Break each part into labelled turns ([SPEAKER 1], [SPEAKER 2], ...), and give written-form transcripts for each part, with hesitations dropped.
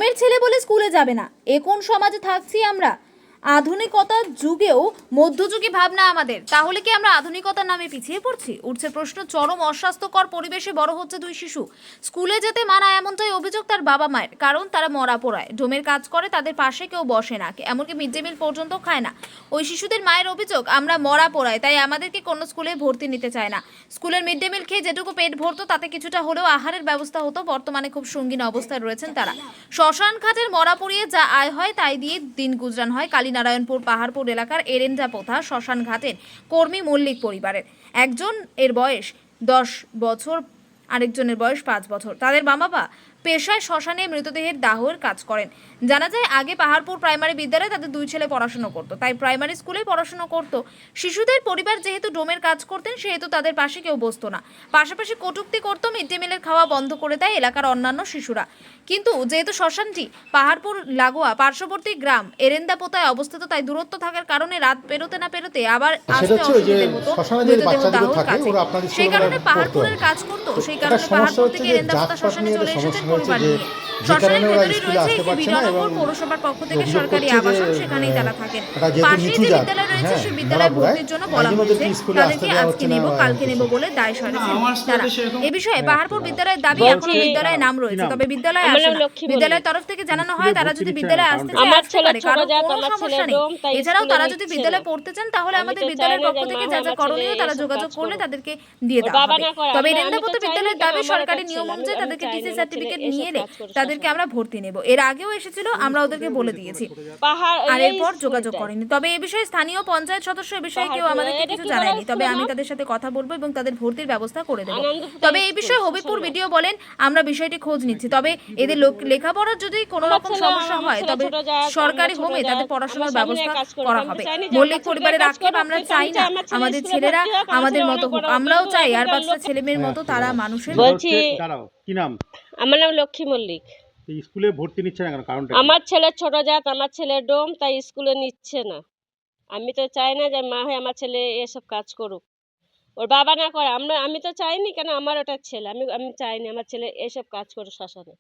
[SPEAKER 1] ডোমের ছেলে বলে স্কুলে যাবে না, এ কোন সমাজে থাকছি আমরা? আধুনিকতার যুগেও মধ্যযুগী ভাবনা আমাদের, তাহলে কি আমরা আধুনিকতার নামে পিছিয়ে পড়ছি? উঠছে প্রশ্ন। চরম অস্বাস্থ্যকর পরিবেশে বড় হচ্ছে দুই শিশু। স্কুলে যেতে মানা এমনটাই অভিযোগ তার বাবা মায়ের, কারণ তারা মরা পোড়ায়, ডোমের কাজ করে, তাদের পাশে কেউ বসে না, এমনকি মিড ডে মিল পর্যন্ত খায় না। ওই শিশুদের মায়ের অভিযোগ, আমরা মরা পোড়াই, তাই আমাদেরকে কোনো স্কুলে ভর্তি নিতে চায় না। স্কুলের মিড ডে মিল খেয়ে যেটুকু পেট ভরতো তাতে কিছুটা হলেও আহারের ব্যবস্থা হতো। বর্তমানে খুব সঙ্গীন অবস্থায় রয়েছেন তারা। শ্মশান ঘাটের মরা পুড়িয়ে যা আয় হয় তাই দিয়ে দিন গুজরান হয় কালীনারায়ণপুর পাহাড়পুর এলাকার এরেন্ডা পোথা শ্মশান ঘাটের কর্মী মল্লিক পরিবারের। একজন এর বয়স 10 বছর, আরেকজনের বয়স 5 বছর। তাদের বাবা পেশায় শ্মশানে মৃতদেহের দাহের কাজ করেন। জানা যায় আগে পাহাড়পুর প্রাইমারি বিদ্যালয়ে তাদের দুই ছেলে পড়াশোনা করতো, তাই প্রাইমারি স্কুলেই পড়াশোনা করতো। শিশুদের পরিবার যেহেতু ডোমের কাজ করতেন, সেহেতু তাদের পাশে কেউ বসতো না, পাশাপাশি কটূক্তি করতো। মিড ডে মিলের খাওয়া বন্ধ করে দেয় এলাকার অন্যান্য শিশুরা। কিন্তু যেহেতু শ্মশানটি পাহাড়পুর লাগোয়া পার্শ্ববর্তী গ্রাম এরেন্দাপোতায় অবস্থিত, তাই দূরত্ব থাকার কারণে রাত পেরোতে না পেরোতে আবার আসতে অসুবিধা হতো মৃতদেহ দাহর কাছে। সেই কারণে পাহাড়পুরের কাজ করতো, সেই কারণে পাহাড়পুর থেকে এরেন্দাপোতা শ্মশানে চলে এসেছেন পরিবার নিয়ে। শ্মশানের ভেতরেই রয়েছে একটি বিধাননগর পৌরসভার পক্ষ থেকে সরকারি আবাসন, সেখানেই তারা থাকেন। পাশেই যে বিদ্যালয় রয়েছে সেই বিদ্যালয়ে ভর্তির জন্য বলা হয়েছে, তাদেরকে আজকে নেব কালকে নেব বলে দায় সারেছেন তারা। এ বিষয়ে পাহাড়পুর বিদ্যালয়ের দাবি, এখনো বিদ্যালয়ে নাম রয়েছে, তবে বিদ্যালয়ে আসে না। বিদ্যালয়ের তরফ থেকে জানানো হয় তারা যদি বিদ্যালয়ে আসতে চায় আসতে পারে, কারণ কোনো সমস্যা নেই। এছাড়াও তারা যদি বিদ্যালয়ে পড়তে চান তাহলে আমাদের বিদ্যালয়ের পক্ষ থেকে যা যা করণীয় তারা যোগাযোগ করলে তাদেরকে দিয়ে দেওয়া হবে। তবে এরেন্দাপোতা বিদ্যালয়ের দাবি, সরকারি নিয়ম অনুযায়ী তাদেরকে টিসি সার্টিফিকেট নিয়ে এলে তাদেরকে আমরা ভর্তি নেব। এর আগেও এসেছিল, আমরা ওদেরকে বলে দিয়েছি, আর এরপর যোগাযোগ করেনি। তবে এ বিষয়ে স্থানীয় পঞ্চায়েত সদস্য এ বিষয়ে কেউ আমাদেরকে কিছু জানায়নি, তবে আমি তাদের সাথে কথা বলবো এবং তাদের ভর্তির ব্যবস্থা করে দেবো। তবে এই বিষয়ে হবিপুর ভিডিও বলেন, আমরা বিষয়টি খোঁজ নিচ্ছি, তবে এদের লেখাপড়ার যদি কোনো রকম সমস্যা হয় তবে সরকারি হোমে তাদের পড়াশোনার ব্যবস্থা করা হবে। মল্লিক পরিবারের আক্ষেপ, আমরা চাই না আমাদের ছেলেরা আমাদের মতো হোক, আমরাও চাই আর 5টা ছেলে মেয়ের মতো তারা মানুষের।
[SPEAKER 2] বলছি,
[SPEAKER 3] কি নাম?
[SPEAKER 2] আমার নাম লক্ষ্মী মল্লিক।
[SPEAKER 3] স্কুলে ভর্তি নিচ্ছে না কেন? কারণটা
[SPEAKER 2] আমার ছেলে ছোট জাত, আমার ছেলে ডোম, তাই স্কুলে নিচ্ছে না। আমি তো চাই না যে মা হয়ে আমার ছেলে এসব কাজ করুক, ওর বাবা না করে। আমি তো চাইনি, কেন আমার ওটা ছেলে, আমি চাইনি আমার ছেলে এসব কাজ করে শ্মশানে।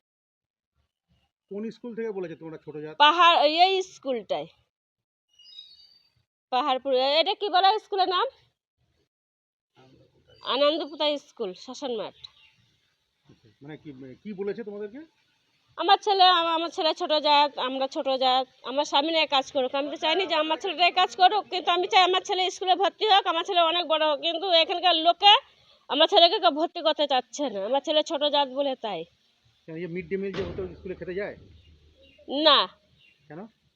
[SPEAKER 3] কোন স্কুল থেকে বলেছে তোমরা ছোট জাত?
[SPEAKER 2] পাহাড় এই স্কুলটাই, পাহাড়পুর। এটা কি বলা স্কুলের নাম? আনন্দপুতা স্কুল, শ্মশান মাঠ।
[SPEAKER 3] মানে কি বলেছে তোমাদেরকে?
[SPEAKER 2] আমার ছেলে ছোট জাত, আমরা ছোট জাত, আমার স্বামী নিয়ে কাজ করুক। আমি তো চাইনি যে আমার ছেলেটাই কাজ করুক, কিন্তু আমি চাই আমার ছেলে স্কুলে ভর্তি হোক, আমার ছেলে অনেক বড় হোক। কিন্তু এখানকার লোকে আমার ছেলেকে কেউ ভর্তি করতে চাচ্ছে না, আমার ছেলে ছোট জাত বলে। তাই
[SPEAKER 3] মিড ডে মিল যে হতো স্কুলে খেতে যায়
[SPEAKER 2] না,
[SPEAKER 3] কেন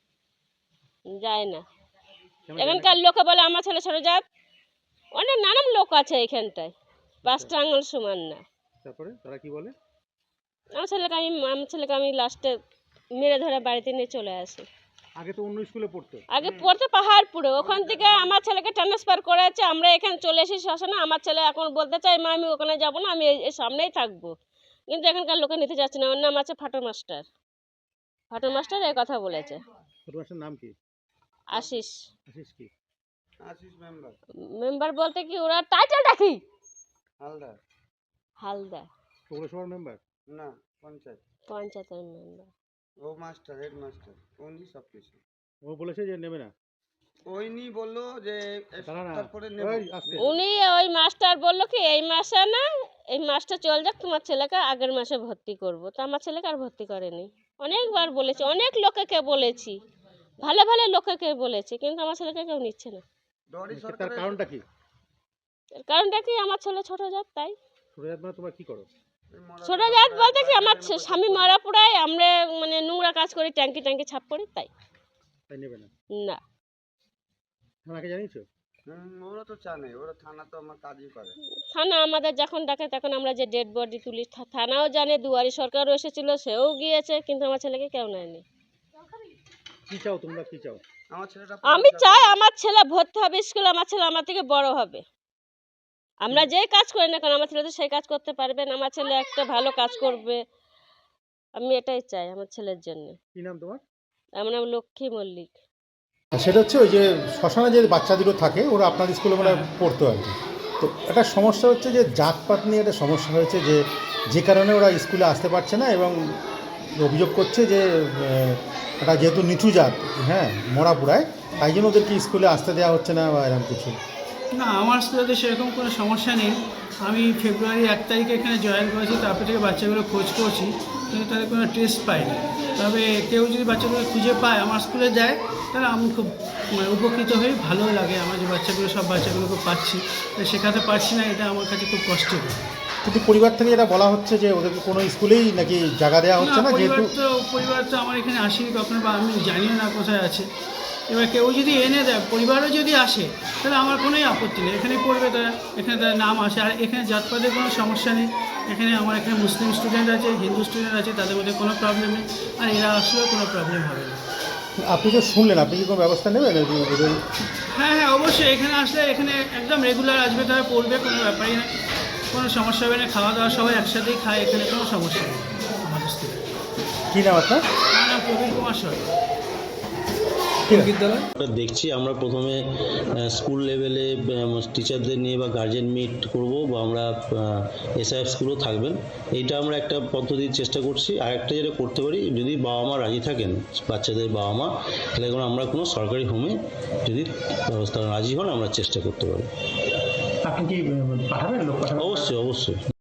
[SPEAKER 2] যায় না। এখানকার লোকে বলে আমার ছেলে ছোট জাত। অনেক নানান লোক আছে এখানটায়, 5টা আঙুল সমান না।
[SPEAKER 3] তারপরে তারা কি বলে?
[SPEAKER 2] আমার ছেলেকে আমি লাস্টে মেরে ধরে বাড়িতে নিয়ে চলে আসি।
[SPEAKER 3] আগে তো অন্য স্কুলে পড়তো।
[SPEAKER 2] আগে পড়তো পাহাড়পুরে, ওখান থেকে আমার ছেলেকে ট্রান্সফার করেছে, আমরা এখানে চলে এসেছি শ্মশানে। আমার ছেলে এখন বলতে চাই, মা আমি ওখানে যাবো না, আমি এই সামনেই থাকবো, কিন্তু এখানকার লোকে নিতে যাচ্ছে না। ওর নাম আছে ফাটো মাস্টার। ফাটো মাস্টার এই কথা বলেছে।
[SPEAKER 3] ফাটো মাস্টার নাম কি?
[SPEAKER 2] আশিস।
[SPEAKER 3] আশিস কি? আশিস মেম্বার।
[SPEAKER 2] মেম্বার বলতে কি, ওরা টাইটেলটা কি?
[SPEAKER 3] হালদার।
[SPEAKER 2] হালদার
[SPEAKER 3] পৌরসভার মেম্বার
[SPEAKER 4] না,
[SPEAKER 2] পঞ্চায়েতের মেম্বার।
[SPEAKER 4] ও মাস্টার, হেড মাস্টার, উনি সব কিছু।
[SPEAKER 3] ও বলেছে যে নেবে না।
[SPEAKER 4] ওইনি বললো যে তারপরে নেব।
[SPEAKER 2] উনি ওই মাস্টার বললো কি, এই মাসে না, এই মাসটা চল যাক, তোমার ছেলেকে আগের মাসে ভর্তি করব। তো আমার ছেলেকে আর ভর্তি করেনি। অনেকবার বলেছি, অনেক লোকেকে বলেছি, ভালো ভালো লোকেকে বলেছি, কিন্তু আমার ছেলেকে কেউ নিচ্ছে না।
[SPEAKER 3] তার কারণটা কি?
[SPEAKER 2] কারণটা কি, আমার ছেলে ছোট জাত, তাই।
[SPEAKER 3] ছোট জাত মানে তোমরা কি করো?
[SPEAKER 2] ছোট জাত বলতে কি, আমার স্বামী মারা পোড়ায়, আমরা মানে নোংরা কাজ করি, ট্যাঙ্কি ছাপ করি, তাই
[SPEAKER 3] নেবে না।
[SPEAKER 2] না।
[SPEAKER 3] থানাকে জানিয়েছো?
[SPEAKER 4] ওরা তো জানে, ওরা থানা তো আমার কাজই করে।
[SPEAKER 2] থানা আমাদের যখন ডাকে তখন আমরা যে ডেড বডি তুলি, থানাও জানে, দুয়ারি সরকারও এসেছিল, সেও গিয়েছে, কিন্তু আমার ছেলেকে কেউ নেয়নি।
[SPEAKER 3] কি চাও তোমরা, কি চাও?
[SPEAKER 2] আমি চাই আমার ছেলে ভর্তি হবে স্কুলে, আমার ছেলে আমার থেকে বড় হবে। আমরা যে কাজ করি না কেন, আমার ছেলে তো সেই কাজ করতে পারবে না, আমার ছেলে একটা ভালো কাজ করবে। আমি এটাই চাই আমার ছেলের জন্য।
[SPEAKER 3] কি নাম তোমার?
[SPEAKER 2] আমার নাম লক্ষ্মী মল্লিক।
[SPEAKER 5] সেটা হচ্ছে ওই যে শ্মশানে যে বাচ্চাদেরও থাকে, ওরা আপনার স্কুলে মানে পড়তো আর কি। তো একটা সমস্যা হচ্ছে যে জাতপাত নিয়ে একটা সমস্যা হয়েছে, যে কারণে ওরা স্কুলে আসতে পারছে না এবং অভিযোগ করছে যে এটা যেহেতু নিচু জাত, হ্যাঁ, মরাপুরায়, তাই জন্য ওদেরকে স্কুলে আসতে দেওয়া হচ্ছে না বা এরকম কিছু।
[SPEAKER 6] না, আমার স্কুলে সেরকম কোনো সমস্যা নেই। আমি ফেব্রুয়ারি 1 তারিখে এখানে জয়েন করেছি, তারপর থেকে বাচ্চাগুলো খোঁজ করছি, কিন্তু তাদের কোনো টেস্ট পাইনি। তবে কেউ যদি বাচ্চাগুলো খুঁজে পায় আমার স্কুলে দেয়, তাহলে আমি খুব উপকৃত হই, ভালো লাগে আমার যে বাচ্চাগুলো, সব বাচ্চাগুলোকে পাচ্ছি, শেখাতে পারছি না, এটা আমার কাছে খুব কষ্টের।
[SPEAKER 5] কিন্তু পরিবার থেকে এটা বলা হচ্ছে যে ওদেরকে কোনো স্কুলেই নাকি জায়গা দেওয়া হচ্ছে না, যেহেতু
[SPEAKER 6] পরিবার তো আমার এখানে আসেনি কখনো, বা আমি জানিও না কোথায় আছে। এবার কেউ যদি এনে দেয়, পরিবারও যদি আসে, তাহলে আমার কোনোই আপত্তি নেই, এখানেই পড়বে তারা, এখানে তাদের নাম আসে। আর এখানে জাতপাতের কোনো সমস্যা নেই, এখানে আমার এখানে মুসলিম স্টুডেন্ট আছে, হিন্দু স্টুডেন্ট আছে, তাদের মধ্যে কোনো প্রবলেম নেই, আর এরা আসলেও কোনো প্রবলেম হবে না।
[SPEAKER 5] আপনি তো শুনলেন, আপনি কি কোনো ব্যবস্থা নেবেন ওদের?
[SPEAKER 6] হ্যাঁ, অবশ্যই এখানে আসলে এখানে একদম রেগুলার আসবে, তারা পড়বে, কোনো ব্যাপারই না, কোনো সমস্যা হবে না। খাওয়া দাওয়া সবাই একসাথেই খায়, এখানে কোনো সমস্যা নেই আমাদের স্কুলে।
[SPEAKER 5] কী নাম আপনার?
[SPEAKER 6] আমার নাম প্রবীর কুমার সরকার।
[SPEAKER 7] দেখছি আমরা প্রথমে স্কুল লেভেলে টিচারদের নিয়ে বা গার্জেন মিট করব, বা আমরা এসআইএফ স্কুলও থাকবেন, এইটা আমরা একটা পদ্ধতির চেষ্টা করছি। আর একটা যেটা করতে পারি, যদি বাবা মা রাজি থাকেন, বাচ্চাদের বাবা মা, তাহলে আমরা কোনো সরকারি হোমে যদি ব্যবস্থা রাজি হন, আমরা চেষ্টা করতে পারি।
[SPEAKER 5] আপনি কি পাঠাবেন লোক?
[SPEAKER 7] অবশ্যই অবশ্যই।